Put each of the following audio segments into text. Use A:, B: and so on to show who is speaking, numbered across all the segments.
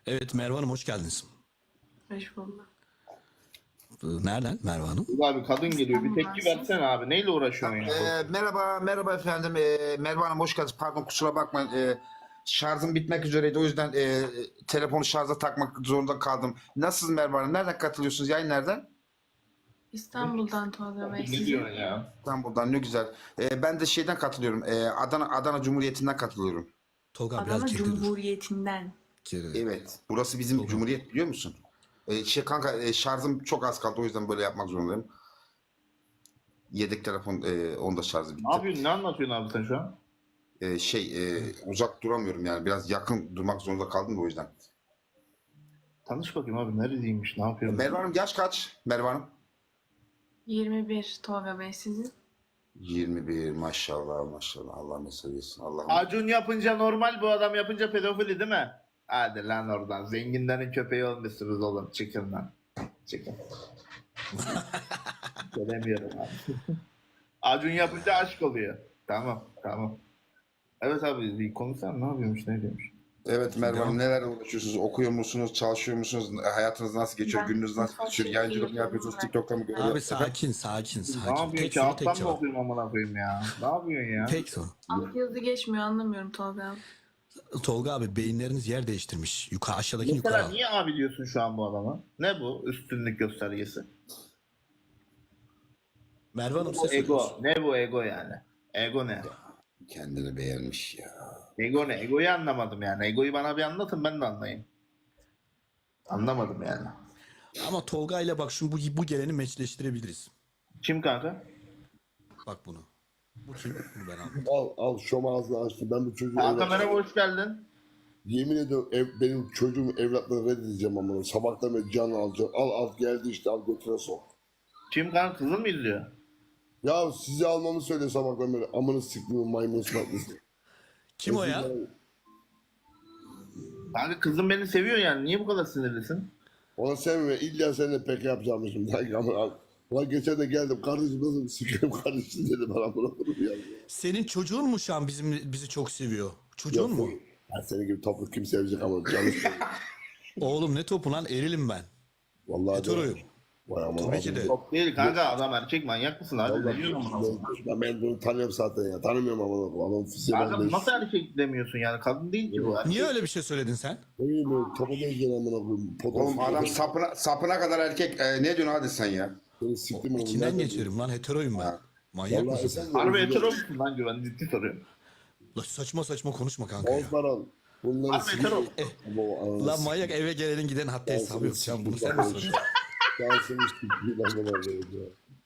A: Evet Merve Hanım hoş geldiniz.
B: Hoş bulduk.
A: Nereden Merve Hanım?
C: Abi kadın geliyor. Bir tepki
B: İstanbul'dan
C: versene abi. Neyle uğraşıyorsun ya?
D: Merhaba efendim. Merve Hanım hoş geldiniz. Pardon kusura bakmayın. Şarjım bitmek üzereydi. O yüzden telefonu şarja takmak zorunda kaldım. Nasılsınız Merve Hanım? Nereden katılıyorsunuz? Yayın nereden?
B: İstanbul'dan Tolga Bey.
C: Ne
B: Sizin?
C: diyorsun ya?
D: İstanbul'dan ne güzel. Ben de şeyden katılıyorum. Adana Cumhuriyeti'nden katılıyorum.
A: Tolga abi, biraz
B: Adana
A: geri dur.
B: Cumhuriyeti'nden.
A: Geri.
D: Evet. Burası bizim Cumhuriyet biliyor musun? Kanka şarjım çok az kaldı. O yüzden böyle yapmak zorundayım. Yedek telefon onda şarjı bitti.
C: Ne yapıyorsun? Ne anlatıyorsun abi sen şu an?
D: Uzak duramıyorum yani. Biraz yakın durmak zorunda kaldım da o yüzden.
C: Tanış bakayım abi. Neredeymiş? Ne yapıyorsun?
D: Merve Hanım yaş kaç? Merve Hanım?
B: 21 Tolga Bey sizin.
D: 21 maşallah maşallah. Allah mesut etsin. Allah'ım.
C: Acun yapınca normal, bu adam yapınca pedofili değil mi? Hadi lan oradan. Zenginlerin köpeği olmuşsunuz oğlum. Çıkın lan. Çıkın. Söylemiyorum abi. Acun yapınca aşk oluyor. Tamam. Evet abi, bir konuşsana, ne yapıyormuş, ne diyormuş?
D: Evet Merve Hanım, neler uğraşıyorsunuz? Okuyor musunuz? Çalışıyor musunuz? Hayatınız nasıl geçiyor?
B: Ben
D: Gününüz nasıl geçiyor? Yayıncılık mı yapıyorsunuz? TikTok'ta mı görüyorsunuz?
A: Abi sakin.
C: Ne yapıyorsun?
A: Tek soru tek
C: Kağıttan mı
A: cevap.
C: okuyayım amına koyayım ya? Ne yapıyorsun ya?
A: Tek soru.
B: Alt yazı geçmiyor anlamıyorum Tolga abi.
A: Tolga abi beyinleriniz yer değiştirmiş. Yukarı aşağıdaki
C: Mesela
A: yukarı.
C: niye abi diyorsun şu an bu adama? Ne bu üstünlük göstergesi?
A: Merve Hanım
C: Bu
A: size
C: ego.
A: soruyoruz.
C: Ne bu ego yani? Ego ne?
D: Kendini beğenmiş ya.
C: Ego ne? Egoyu anlamadım yani. Egoyu bana bir anlatın, ben de anlayayım. Anlamadım yani.
A: Ama Tolga ile bak şu bu geleni meçleştirebiliriz.
C: Kim kanka?
A: Bak bunu. Bu kim? Bunu ben aldım.
E: Al şom ağzını açtı. Ben bu çocuğu
C: Kanka merhaba, hoş geldin.
E: yemin ediyorum benim çocuğumu evlatlarını reddedeceğim ama sabahtan beri canını alacağım. Al geldi işte al götüne sok.
C: Kim kanka, kızın mı izliyor?
E: Ya sizi almamı söyle sabahtan beri. Amını siktiğim maymun sıkıntısı.
A: Kim o ya?
C: Kanka kızım beni seviyor yani. Niye bu kadar sinirlisin?
E: Ona sevme. İlla seninle pek yapacağım şimdi. Ulan geçen de geldim. Kardeşim nasıl sikeyim kardeşim dedi bana. Bunu ya.
A: Senin çocuğun mu şu an bizi çok seviyor? Çocuğun mu?
E: Ya senin gibi toplu kim sevecek ama canı seviyor.
A: Oğlum ne topu lan, erilim ben.
E: Vallahi
A: Heteroyum.
E: Vay aman
A: Tabii ki de.
C: Yok değil kanka, adam erkek, manyak mısın abi? Ne diyorsun amına koyayım?
E: Ben bunu tanıyorum zaten ya. Tanımıyorum ama adam fiziğe
C: Kanka
E: ben de.
C: nasıl erkek demiyorsun yani? Kadın değil ki bu.
A: Niye öyle bir şey söyledin sen?
E: Ne bileyim böyle topa benziyor amına koyayım.
D: Oğlum adam sapına kadar erkek. Ne diyorsun hadi sen ya?
E: Seni siktim oğlum.
A: İçinden
E: Nerede?
A: geçiyorum lan, heteroyum ben. Manyak
E: Vallahi
A: mısın sen?
E: sen de
C: Harbi
E: özür
C: hetero
E: dilerim.
C: musun lan Güven? Ciddi soruyorum.
A: La saçma konuşma kanka ya.
E: Osman bunları
C: Harbi hetero.
A: Lan manyak, eve gelenin giden hatta hesabı yok. Can bunu sen mi soruyorsun?
E: Şansımız siktiği lan bana böyle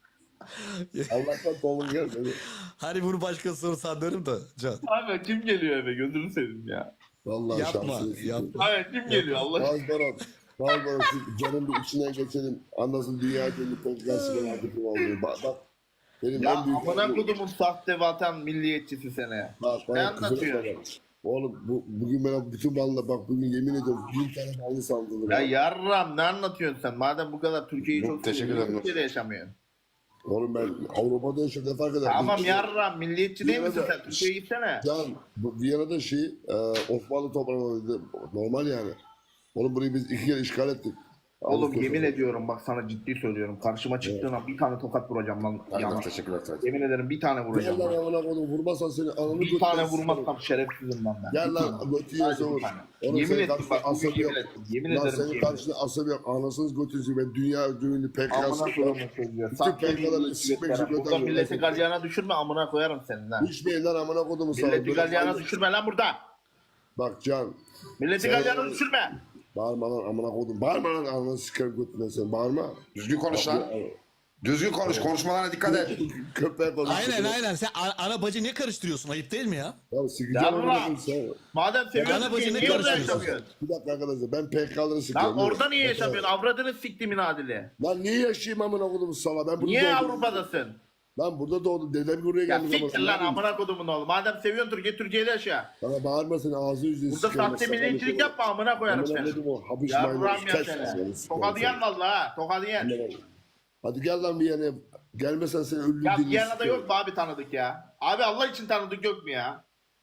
E: ya. Allah'tan dolun gelmedi.
A: Hani bunu başka soru sanıyorum da Can.
C: Kanka kim geliyor eve? Gözünü seveyim ya.
E: Vallahi
A: Yapma,
E: şansımız
A: yapma.
C: Kanka kim geliyor Allah aşkına?
E: Osman şu canın bir içinden geçelim. Anlasın dünya günü tekrar sigara atıp oldu. Bak benim
C: Ya
E: en büyük
C: amına kodumun sahte vatan milliyetçisi sene.
E: Bak,
C: Ne
E: bana kızına
C: anlatıyorsun?
E: bak. Oğlum bugün bana bütün malına bak bugün yemin ediyorum 1000 tane malını saldırdı.
C: Ya yarram, ne anlatıyorsun sen? Madem bu kadar Türkiye'yi
D: Yok,
C: çok
D: teşekkür
C: seviyorsun,
D: ederim.
C: Türkiye'de yaşamıyorsun.
E: Oğlum ben Avrupa'da yaşıyorum ne fark eder?
C: Tamam
E: Bir-
C: yarram, milliyetçi değil misin
E: Viyana'da-
C: sen? Türkiye'ye gitsene.
E: Can, bu Viyana'da Osmanlı toprağında normal yani. Oğlum burayı biz 2 kere işgal ettik.
C: Oğlum
E: Avrupa
C: yemin
E: Savaşı.
C: ediyorum, bak sana ciddi söylüyorum. Karşıma çıktığın an bir tane tokat vuracağım lan.
D: Aynen,
C: Yana.
D: teşekkürler.
C: Yemin ederim bir tane vuracağım.
E: Gel lan
C: lan.
E: amına koydum vurmazsan seni ananı
C: Bir
E: götüne
C: tane
E: sıkarım.
C: vurmazsam şerefsizim lan ben.
E: Gel
C: Bir
E: lan
C: tane.
E: götü yiyorsa
C: Hadi bir
E: vur.
C: tane.
E: Oğlum
C: Yemin
E: senin
C: ettim
E: karşında
C: bak, bugün
E: asabı yok.
C: yemin ettim. Yemin
E: Lan
C: ederim
E: senin
C: yemin
E: karşında asabı yok. Anasınız götünüzü ben dünya ünlü PKK'sı.
C: Amına koyarım sözü.
E: Bütün PKK'ları sikmek için
C: Burada
E: götürüyor.
C: milleti galyana düşürme, amına koyarım senin lan.
E: Hiçbir lan amına kodumu sana.
C: Milleti
E: Böyle
C: galyana
E: saldırı-
C: düşürme lan burada.
E: Bak Can.
C: Milleti
E: Sen-
C: galyana düşürme.
E: Bağırma lan amına kodum. Bağırma lan ananı sikerim götüne sen. Bağırma.
D: Düzgün konuş lan. Düzgün konuş. Konuşmalarına dikkat et.
E: Köpeğe konuş.
A: Aynen sen ana bacı ne karıştırıyorsun, ayıp değil mi ya?
E: Ya sikeceğim
C: Yarra.
E: amına kodum sen.
C: Madem
A: Ana
C: seviyorsun
A: bacı
C: ki
A: ne
C: niye orada
A: karıştırıyorsun?
C: yaşamıyorsun?
E: Bir dakika arkadaşlar ben PKK'ları sikiyorum.
C: Lan orada niye
E: Bak,
C: yaşamıyorsun? Avradını siktimin adili.
E: Lan niye yaşayayım amına kodum sala? Ben burada
C: Niye
E: doğdum.
C: Avrupa'dasın?
E: Lan burada doğdum. Dedem buraya
C: Ya
E: geldi.
C: siktir lan amına kodumun oğlu. Madem seviyorsun Türkiye, Türkiye'de yaşa.
E: Bana bağırma seni ağzı yüzünü
C: Burada sahte milliyetçilik yapma, amına koyarım
E: Amına
C: seni.
E: kodum o. Habiş maymun.
C: Yarram ya
E: kes
C: seni.
E: seni.
C: Tokadı yen valla ha. Tokadı yen.
E: Hadi gel lan bir yana. Gelmesen seni ölü
C: Ya
E: dilini
C: Viyana'da
E: sikerim.
C: yok mu abi tanıdık ya? Abi Allah için tanıdık yok mu ya?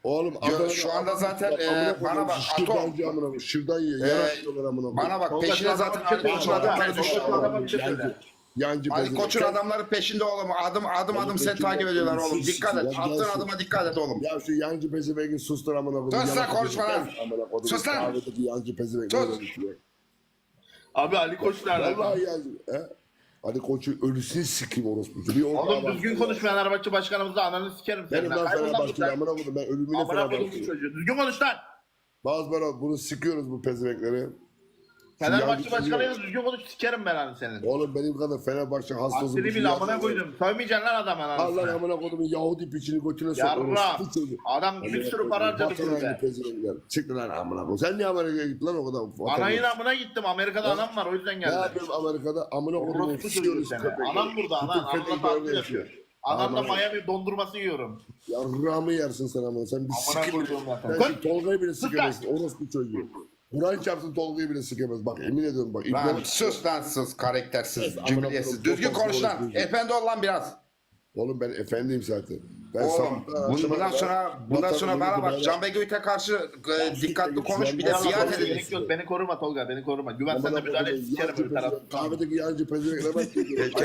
E: Oğlum
D: Şu anda zaten, bana bak, Atom.
E: Şırdancı amına koyayım. Şırdan yiyor. Yarak yiyorlar amına koyayım.
D: Bana bak,
C: Tolga,
D: peşine
C: sana
D: zaten
C: bir şey
D: Ali Koç'un
C: söyleyeyim.
D: adamları düştü.
C: Adama bir şey söyle.
E: Yancı
D: Ali
E: pezevenk.
D: Koç'un adamları peşinde oğlum. Adım seni takip ediyorlar oğlum. Dikkat et. Attığın adıma dikkat et oğlum.
E: Ya şu yancı pezevenki sustur amına koyayım.
D: Sus lan,
E: Yarak
D: konuşma lan.
E: yiyor. Amına koyayım.
D: Sus lan.
E: Kahvedeki yancı pezevenk.
D: Sus.
E: böyle düşüyor.
C: Abi Ali Koç nerede?
E: Vallahi yancı. He? Ali Koç'u ölüsünü sikeyim orospu. Bir
C: Oğlum düzgün konuş Fenerbahçe başkanımızla ananı sikerim
E: Benim
C: senin.
E: lan
C: Kaybol lan
E: Fenerbahçe'yi
C: buradan.
E: amına koydum. Ben ölümüne
C: Amına koydum bu
E: Fenerbahçe'yi.
C: çocuğu. Düzgün konuş lan.
E: Bazı bana bunu sikiyoruz bu pezevenkleri.
C: Fenerbahçe başkanıyla düzgün konuş sikerim ben hani senin.
E: Oğlum benim kadar Fenerbahçe hastası.
C: Aksini bile amına koydum. Sövmeyeceksin lan adam
E: Allah
C: anasını.
E: amına koyduğumun Yahudi piçini götüne sok.
C: Yarra.
E: orospu çocuğu.
C: Adam bir sürü para harcadı
E: Vatan haini
C: kulübe.
E: pezevenkler. Çıktı lan amına koyayım. Sen niye Amerika'ya gittin lan o kadar? Vatan
C: Anayın
E: haini.
C: amına gittim. Amerika'da anam var o yüzden
E: Ne
C: geldim.
E: yapıyorum Amerika'da? Amına koyduğumun
C: Orospu çocuğu
E: sikiyoruz
C: seni.
E: köpekleri.
C: Anam burada anan.
E: Bütün
C: Anamla
E: köpekler
C: tatlı
E: öyle
C: yapıyor.
E: yaşıyor.
C: Anam da
E: Aman.
C: Miami dondurması yiyorum.
E: Yarrağımı yersin sen amına. Sen bir
C: Amına
E: sikimle.
C: koyduğum zaten.
E: Sen şu Tolga'yı bile sikemezsin. Orospu çocuğu. Kur'an çarpsın Tolga'yı bile sikemez. Bak emin ediyorum bak.
D: Lan
E: İbne...
D: sus lan sus. Karaktersiz.
E: Amına
D: Cümlesiz.
E: koyayım,
D: Düzgün
E: çok
D: konuş lan.
E: fazla
D: Efendi ol lan biraz.
E: Oğlum ben efendiyim zaten. Ben
D: Oğlum
E: sabahtan akşama
D: bundan
E: kadar
D: sonra
E: vatanı
D: bana bak.
E: böyle-
D: Can Begüt'e karşı dikkatli konuş. Bir de
E: Ya,
D: biat
E: ya,
D: edelim.
C: Gerek yok. Beni koruma Tolga. Beni koruma. Güven sen de
E: Amına
C: müdahale et.
E: koyduğum
C: Sikerim
E: yancı
C: öbür tarafı.
E: pezevenk. Kahvedeki yancı pezevenkle bak.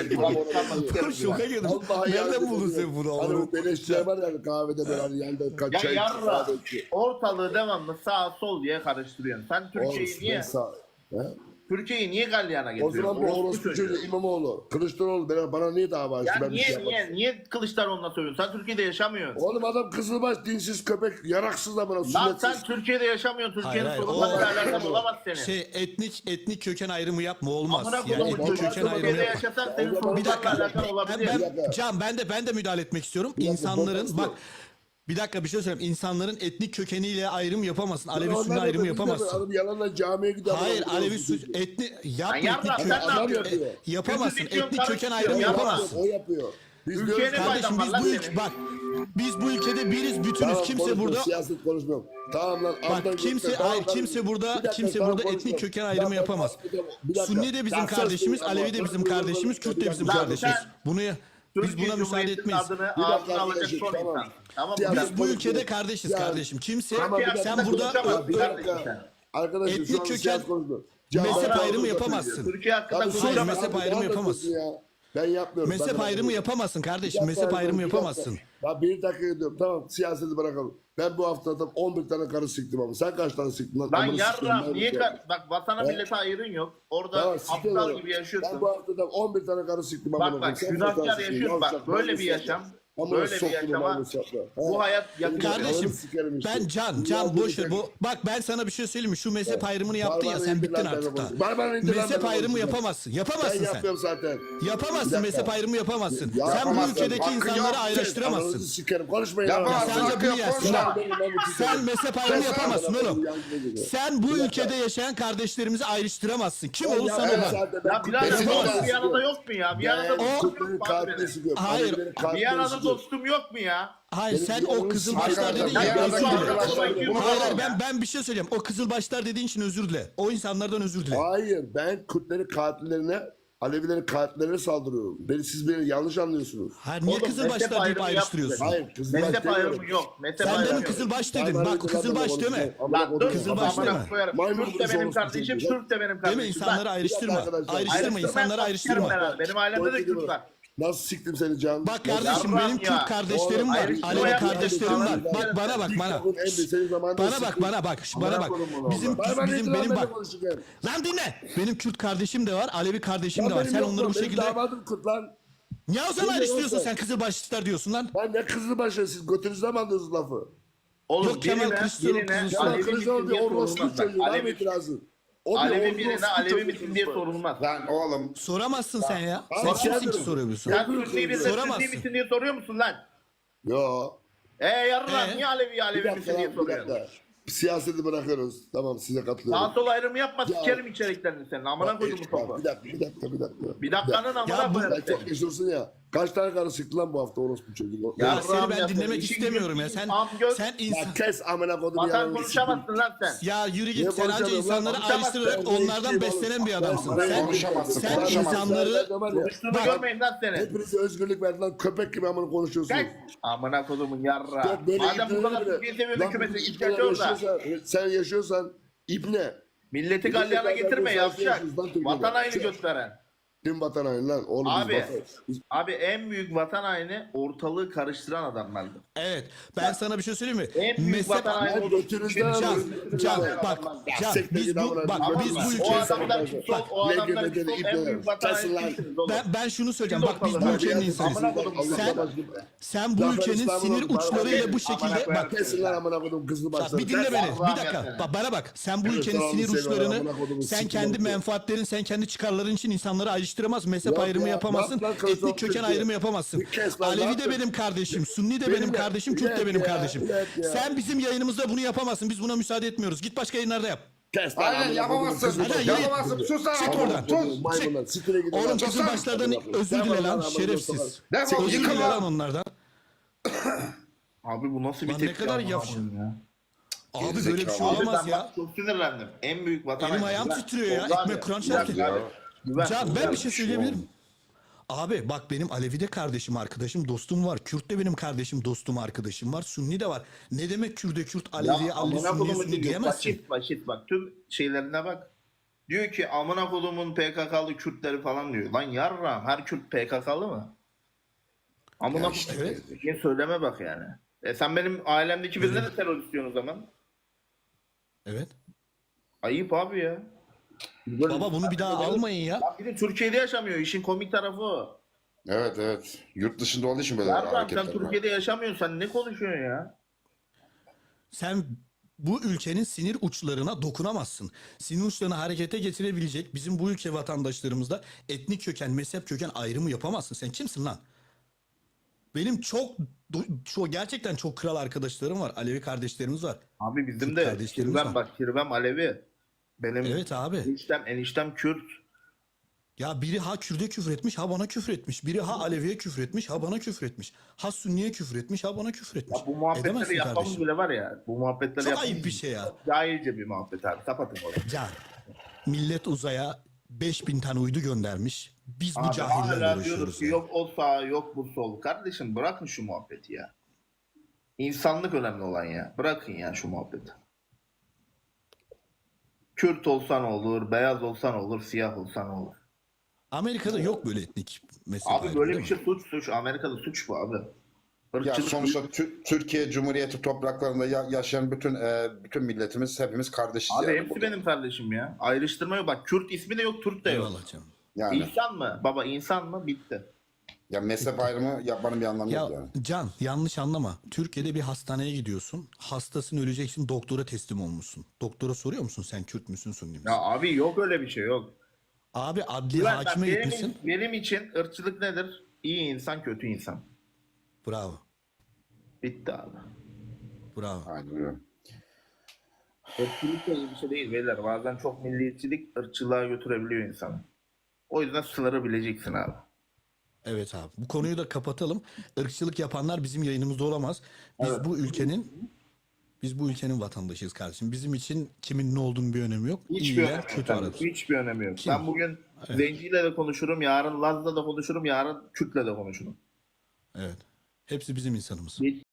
A: Şoka girdim.
E: Vallahi
A: Nereden
E: yancı
A: buldun
E: pezevenk.
A: sen bunu?
E: Hani
A: oğlum?
E: bu beleşçiler var ya kahvede böyle hani yanında kaç
C: Ya
E: çay
C: yarra.
E: kahve içiyor.
C: Ortalığı devamlı sağ sol diye karıştırıyorsun. Sen Türkiye'yi
E: Oğlum,
C: niye?
E: ben sağ- He?
C: Türkiye'yi niye galyana
E: O
C: getiriyorsun?
E: zaman bu orospu çocuğu İmamoğlu. Kılıçdaroğlu bana niye dava açtı?
C: Ya
E: Ben bir şey
C: niye
E: yapmadım.
C: niye Kılıçdaroğlu'na söylüyorsun? Sen Türkiye'de yaşamıyorsun.
E: Oğlum adam kızılbaş, dinsiz köpek, yaraksız da bana
C: Lan
E: sünnetsiz.
C: sen Türkiye'de yaşamıyorsun. Türkiye'nin
A: Hayır, hayır.
C: sorunlarıyla
A: O-
C: alakalı olamaz senin.
A: Şey etnik köken ayrımı yapma olmaz.
C: Amına
A: Yani
C: koyduğum
A: etnik
C: çocuğu
A: köken ayrımı
C: Türkiye'de
A: yapma.
C: yaşasan senin
E: Bir
C: sorunlarla
A: dakika.
C: alakalı
A: Ben,
C: olabilir.
E: dakika.
A: Can ben de müdahale etmek istiyorum.
E: dakika,
A: İnsanların
E: boşver.
A: bak bir dakika bir şey söyleyeyim. İnsanların etnik kökeniyle ayrım yapamazsın. Alevi
E: Onlar
A: Sünni
E: da
A: ayrımı
E: biz de
A: yapamazsın.
E: Adam yalanla camiye gidiyor.
A: Hayır
E: adam
A: Alevi
E: orospu
A: Sünni
E: çocuğu.
A: etnik yapma
C: Lan yarra,
A: etnik
C: sen
A: köken.
C: ne
E: Adam
C: yapıyorsun?
E: yapıyor.
A: Yapamazsın.
C: Kötü diyorum,
A: Etnik köken
C: karıştırıyorum,
A: ayrımı
C: yapma.
A: yapamazsın.
E: O yapıyor. Biz
C: Ülkeye
E: diyoruz
C: ne
E: ki-
A: Kardeşim biz
C: Lan
A: bu
C: senin.
A: ülke bak biz bu ülkede biriz bütünüz.
E: Tamam,
A: Kimse
E: konuşmuyorum,
A: burada
E: siyaset konuşmuyorum. Tamam lan.
A: bak
E: Adnan
A: kimse
E: Gökmen, tamam,
A: hayır
E: tamam.
A: kimse
E: Bir
A: burada
E: dakika,
A: kimse
E: tamam,
A: burada etnik
E: konuşmuyorum.
A: köken
E: Ya
A: ayrımı
E: ben-
A: yapamaz.
E: bir dakika.
A: Sunni de bizim
E: Ya
A: kardeşimiz,
E: söz
A: Alevi de
E: söyleyeyim.
A: bizim kardeşimiz, Kürt de bizim
C: Lan
A: kardeşimiz.
C: sen-
A: Bunu biz
C: Türkiye
A: buna müsaade
C: Cumhuriyeti'nin
A: etmeyiz.
C: adını
E: Bir dakika
C: ağzına alacak
E: arkadaşım,
C: son
E: tamam.
C: insan. Tamam mı?
E: Siyasi
A: Biz bu
E: konuşuyoruz.
A: ülkede kardeşiz
E: Ya-
A: kardeşim. Kimse
E: Tamam, bir dakika.
A: sen burada
C: konuşamazsın
E: Bir
C: kardeşim
E: dakika.
C: sen.
E: Arkadaşım
A: Etnik
E: şu an
A: köken-
E: siyasi konuşmuyorum.
A: mezhep
E: Cevap-
A: ayrımı
E: Cevap-
A: yapamazsın.
C: Türkiye hakkında
E: Abi,
A: Hayır,
C: konuşamaz.
A: mezhep
E: abi,
A: ayrımı
E: ne
A: yapamazsın.
E: anlatıyorsun ya? Ben yapmıyorum.
A: Mezhep
E: Ben-
A: ayrımı yapamazsın kardeşim.
E: Bir
A: Mezhep
E: dakika,
A: ayrımı
E: bir dakika.
A: yapamazsın.
E: Ya bir dakika diyorum. Tamam siyaseti bırakalım. Ben bu hafta tam 11 tane karı siktim ama sen kaç tane siktin lan?
C: Lan
E: Amına sikeyim,
C: yarra
E: ben
C: niye
E: bu-
C: bak vatana
E: He?
C: millete ayrın yok. Orada
E: Tamam, siktir
C: aptal
E: oğlum.
C: gibi
E: Ben
C: yaşıyorsun.
E: bu hafta tam 11 tane karı siktim. amına
C: Bak
E: koyayım.
C: bak
E: Sen kaç
C: günahkar
E: tane siktin?
C: yaşıyorsun. Bak
E: Yavşak,
C: böyle bir
E: namus
C: yaşam.
E: yapma. Amına
C: Böyle bir
E: soktuğum
C: yaşama
E: namus yapma.
C: bu
E: He?
C: hayat yakıyor.
A: Kardeşim
E: Ananı sikerim işte.
A: ben Can
E: Dünya
A: boş ver.
E: böyle-
A: Bu bak ben sana bir şey söyleyeyim mi? Şu mezhep ayrımını yaptın ya
E: Barbara
A: sen
E: indir
A: bittin
E: lan
A: artık
E: beni
A: da.
E: bu- Barbara indir lan
A: Mezhep
E: beni
A: ayrımı
E: bu-
A: yapamazsın.
E: Ben
A: Yapamazsın sen.
E: yapıyorum zaten.
A: Yapamazsın.
E: Bir dakika.
A: Mezhep ayrımı yapamazsın.
E: Ya
A: Sen bu
D: yapamazsın.
A: ülkedeki
D: Hakkın
A: insanları
D: yok.
E: Ananızı
A: ayrıştıramazsın.
E: sikerim. Konuşmayın.
D: Yapamazsın.
E: lan.
A: Sen de
D: Hakkı
A: bunu
D: yok,
A: yersin.
D: konuş lan.
A: Sen mezhep ayrımı yapamazsın oğlum. Sen bu
E: Bir dakika.
A: ülkede yaşayan kardeşlerimizi ayrıştıramazsın. Kim
E: Ben
A: olursan
E: yapmam
A: ol.
E: zaten.
C: Ya birader
D: Besin
C: dostum
D: olmaz.
C: Viyana'da yok mu ya? Viyana'da
E: Ben
C: dostum
E: Kürtlerin
C: yok mu
E: katilini
C: abi?
E: sıkıyorum.
A: Hayır.
E: Alevilerin katilini
C: Viyana'da
E: sıkıyorum.
C: dostum yok mu ya?
A: Hayır
E: Benim
A: sen o
E: yanımı
A: kızılbaşlar
D: sıkıyor.
A: dedin ya.
D: Ya
A: özür
D: yazık
A: dile.
D: arkadaşlar, bunu
A: Hayır
D: yapalım
A: hayır ben bir şey söyleyeyim. O kızılbaşlar dediğin için özür dile. O insanlardan özür dile.
E: Hayır ben Kürtlerin katillerine Alevilerin katillerine saldırıyorum. Siz beni yanlış anlıyorsunuz.
A: Hayır niye
C: Oğlum,
A: kızılbaşlar
C: mezhep
A: deyip
C: ayrımı
A: ayrıştırıyorsun?
E: Hayır kızılbaş
C: Mezhep
E: demiyorum.
C: ayrımı yok. Mezhep
A: Sen
C: ayrımı
A: demin
C: yok.
A: kızılbaş dedin. Bak kızılbaş deme.
C: Lan dur
A: Kızılbaş
C: amına
A: deme.
C: koyarım.
E: Maymun
C: Türk de
E: kızı
C: benim
E: olsun
C: kardeşim,
E: çocuğu.
C: Türk de benim
A: Değil mi?
C: kardeşim.
A: İnsanları
C: Lan,
A: ayrıştırma.
E: arkadaşlar.
A: Ayrıştırma. İnsanları ayrıştırma.
C: Benim ailemde de Kürt var.
E: Nasıl siktim seni Can?
A: Bak kardeşim
C: Yarram
A: benim
C: ya.
A: Kürt kardeşlerim
E: Oğlum,
A: var.
C: ayrıştırma
A: Alevi
C: yapma.
A: kardeşlerim var.
C: Yarram.
A: Bak bana bak bana. Bana bak bana bak. Bana bak. Bizim benim bak. Lan dinle. Benim Kürt kardeşim de var. Alevi kardeşim de var. Sen onları bu şekilde.
E: Damadım Kürt lan.
A: Niye o zaman
E: Dinle
A: ayrıştırıyorsun
E: yoksa.
A: sen kızılbaşlar diyorsun lan?
E: Ben ne kızılbaşı siz götünüzden mi alıyorsunuz lafı?
C: Oğlum
A: Yok, Kemal Kılıçdaroğlu
C: birine
A: kızı-
E: Kemal
C: Alevi
E: Kılıçdaroğlu
C: misin
E: bir
C: diye
E: orospu
C: sorulmaz. Bak,
E: çocuğu. Var mı
C: Alevi,
E: itirazın? O bir
C: Alevi
E: orospu
C: birine Alevi
E: çocuğu
C: misin diye
E: bak.
C: sorulmaz.
D: Lan oğlum.
A: Soramazsın sen ya. Sen
E: Bak,
A: kimsin ki
E: soruyorum.
A: soruyorsun?
C: Sen Sünni birine Sünni
A: Soramazsın.
C: misin diye soruyor musun lan?
E: Yo.
C: Yarram
A: Ee?
C: niye Alevi
E: Bir
C: Alevi
E: dakika
C: misin diye
E: lan bir
C: soruyorsun?
E: dakika. Siyaseti bırakıyoruz. Tamam size katılıyorum.
C: Sağ sol ayrımı yapma
E: Ya-
C: sikerim içeriklerini senin. Amına koydum bu topu.
E: Bir dakika.
C: Bir dakikanın amına
A: Ya bu-
C: koyarım
E: Sen çok
C: seni.
E: yaşıyorsun ya. Kaç tane karı sıktı lan bu hafta orospu çocuk?
C: Ya
A: Ya seni
C: Allah'ım
A: ben
C: ya,
A: dinlemek
C: işin
A: istemiyorum ya.
C: gücün
A: Sen
C: amgöz.
A: sen insan
E: Ya kes amına kodum
C: Vatan
E: yalanını
C: konuşamazsın lan sen.
A: ya yürü
E: Niye
A: git. Sen anca
E: konuşamıyorum lan?
A: insanları
C: Konuşamazsın.
A: ayrıştırarak
E: Ben
A: onlardan
E: değiştim
A: beslenen
E: oğlum.
A: bir adamsın.
E: Ben
A: Sen
D: konuşamazsın,
A: sen
D: konuşamazsın.
A: insanları
C: Konuştuğunu
A: Bak-
C: görmeyin lan seni.
E: Hepinize özgürlük verdi lan. Köpek gibi amına konuşuyorsunuz.
C: Kaç. Amına kodumun yarra.
E: Ya böyle
C: Madem bu
E: ibneleri
C: kadar
E: bile-
C: Türkiye seviyorsun
E: Lan
C: hükümeti
E: bu
C: ihtiyaç
E: ibneler
C: orada.
E: sen yaşıyorsan ibne.
C: Milleti galyana getirme yavşak.
E: yaşıyorsunuz lan Türkiye'de.
C: Vatan haini
E: Sen-
C: gösteren.
E: Kim vatan haini lan? Oğlum biz
C: Abi,
E: vatan.
C: abi en büyük vatan haini ortalığı karıştıran adamlardı.
A: evet. Ben sana bir şey söyleyeyim mi?
C: En büyük
A: Mezhep
C: vatan haini
E: Lan
C: oldu.
E: götünüzden
A: Can,
E: alın.
A: Can bak Can
E: Sekte
A: biz
E: giden
A: bu
E: bırak,
A: bak
E: bırak.
A: biz bu
C: O
A: ülkeyi
C: adamlar kim sol, o adamlar kim sol, en büyük vatan
E: Kesin lan.
C: haini sizsiniz oğlum.
A: ben şunu söyleyeceğim.
C: Siz
A: Bak biz bu
C: ortalığı-
A: ülkenin
C: Amına
A: insanıyız.
C: kodum.
A: Sen bu
E: Zafer
A: ülkenin
E: İstanbul'un
A: sinir uçlarıyla bu şekilde
C: Amına
A: bak
E: Kesin lan amına kodum kızlı
A: Bak,
E: başları.
A: bir dinle beni.
C: Allah'ım
A: Bir dakika.
C: ya.
A: Bak bana bak. Sen bu
E: Evet,
A: ülkenin
E: tamam,
A: sinir
E: seviyorum.
A: uçlarını
E: Amına kodumu
A: sen
E: sikim
A: kendi
E: oldu.
A: menfaatlerin, sen kendi çıkarların için insanları ayrıştıramazsın. Mezhep
E: Yok
A: ayrımı
E: ya,
A: yapamazsın.
E: bak lan, kılıç
A: Etnik köken
E: Türkiye.
A: ayrımı yapamazsın.
E: Bir kes lan, ne
A: Alevi de
E: yaptın?
A: benim kardeşim. Sunni de
E: Benim
A: benim
E: de-
A: kardeşim. Kürt de
E: Evet
A: benim
E: ya,
A: kardeşim.
E: evet ya.
A: Sen bizim yayınımızda bunu yapamazsın. Biz buna müsaade etmiyoruz. Git başka yayınlarda yap.
E: Kes lan
D: Aynen
E: amına
D: yapamazsın.
E: kodum, kızlı
A: Hadi,
E: başları.
D: Yapamazsın. Sus lan.
A: Çık
D: oğlum,
A: oradan.
D: Sus.
E: Maymunlar, sikire gidin
A: Oğlum
E: lan.
A: kızıl başlardan özür
E: Sen
A: dile
E: bana
A: lan
E: amına
A: şerefsiz.
D: Defol,
A: Özür
D: yıkıl
A: dile
D: lan.
A: lan onlardan.
C: Abi bu nasıl bir
A: Lan ne
C: tepki
A: kadar
C: amına
A: yavşak.
C: koyayım ya.
A: Abi böyle bir şey
C: Abi
A: olamaz
C: ben
A: ya.
C: bak çok sinirlendim. En büyük vatan
A: Elim
C: haini.
A: ayağım
C: Güven.
A: titriyor ya.
C: Oldu
A: Ekmek
C: abi.
A: Kur'an
C: Güven,
A: çarptı.
C: abi. Güven.
A: Can ben
C: Güven.
A: bir şey söyleyebilirim. Abi bak benim Alevi de kardeşim, arkadaşım, dostum var. Kürt de benim kardeşim, dostum, arkadaşım var. Sünni de var. Ne demek Kürt'e Kürt, Alevi'ye
C: Ya
A: Alevi,
C: amına
A: Sünni'ye
C: kodumun
A: Sünni
C: diyor.
A: diyemezsin.
C: Basit bak. Tüm şeylerine bak. Diyor ki amına kodumun PKK'lı Kürtleri falan diyor. Lan yarram her Kürt PKK'lı mı? Amına
D: Ya işte,
C: kodumun diye söyleme bak yani. Sen benim ailemdeki birine de terörist diyorsun o zaman.
A: Evet.
C: Ayıp abi ya.
A: Baba bunu bir daha almayın ya.
C: Ya bir de Türkiye'de yaşamıyor. İşin komik tarafı o.
D: Evet. Yurt dışında olduğu için böyle
C: Yarram sen
D: hareketler var.
C: Türkiye'de yaşamıyorsun. Sen ne konuşuyorsun ya?
A: Sen bu ülkenin sinir uçlarına dokunamazsın. Sinir uçlarını harekete getirebilecek bizim bu ülke vatandaşlarımızda etnik köken, mezhep köken ayrımı yapamazsın. Sen kimsin lan? Benim çok gerçekten çok kral arkadaşlarım var. Alevi kardeşlerimiz var.
C: Abi bizim
A: Kürt
C: de
A: kardeşlerimiz
C: Kirvem
A: var.
C: bak Kirvem Alevi. Benim
A: Evet abi.
C: eniştem Kürt.
A: Ya biri ha Kürt'e küfür etmiş, ha bana küfür etmiş. Biri ha Alevi'ye küfür etmiş, ha bana küfür etmiş. Ha Sünni'ye küfür etmiş, ha bana küfür etmiş.
C: Ya bu muhabbetleri
A: Edemezsin
C: yapmamız
A: kardeşim.
C: bile var ya. Bu muhabbetleri
A: Çok
C: yapmamız
A: ayıp bir şey ya.
C: cahilce bir muhabbet abi. Kapatın orayı.
A: Can, millet uzaya 5000 tane uydu göndermiş. Biz bu
C: Abi
A: cahillerle
C: hala diyoruz
A: uğraşıyoruz.
C: ki
A: ya.
C: yok o sağ yok bu sol. Kardeşim bırakın şu muhabbeti ya. İnsanlık önemli olan ya. Bırakın ya şu muhabbeti. Kürt olsan olur, beyaz olsan olur, siyah olsan olur.
A: Amerika'da yok böyle etnik mezhep
C: Abi
A: ayrımı,
C: böyle
A: değil
C: bir
A: mi?
C: şey suç. Amerika'da suç bu abi.
D: Ya
C: Irkçılık
D: sonuçta Türkiye Cumhuriyeti topraklarında yaşayan bütün milletimiz hepimiz kardeşiz.
C: Abi
D: yani
C: hepsi
D: burada.
C: benim kardeşim ya. Ayrıştırma yok. Bak Kürt ismi de yok, Türk de yok.
A: Eyvallah canım.
D: Yani
C: İnsan mı? Baba insan mı? Bitti.
D: ya mezhep ayrımı yapmanın bir anlamı
A: Ya
D: yok yani.
A: Can yanlış anlama. Türkiye'de bir hastaneye gidiyorsun. Hastasın öleceksin doktora teslim olmuşsun. Doktora soruyor musun sen Kürt müsün Sünni misin?
C: Ya abi yok öyle bir şey yok.
A: Abi adli
C: Güven, bak,
A: hakime gitmişsin.
C: benim için ırkçılık nedir? İyi insan, kötü insan.
A: Bravo.
C: Bitti abi.
A: Bravo.
D: Aynen öyle.
C: Irkçılık da iyi bir şey değil beyler. Bazen çok milliyetçilik ırkçılığa götürebiliyor insanı. O yüzden sınırı bileceksin abi.
A: Evet abi. Bu konuyu da kapatalım. Irkçılık yapanlar bizim yayınımızda olamaz. Biz bu ülkenin vatandaşıyız kardeşim. Bizim için kimin ne olduğunun bir önemi yok.
C: Hiçbir
A: İyiler,
C: önemi yok.
A: kötü
C: abi.
A: aradır.
C: Hiçbir önemi yok.
A: Kim?
C: Ben bugün Zenciyle de konuşurum, yarın Laz'la da konuşurum, yarın Kürt'le de konuşurum.
A: Evet. Hepsi bizim insanımız.
C: Hiç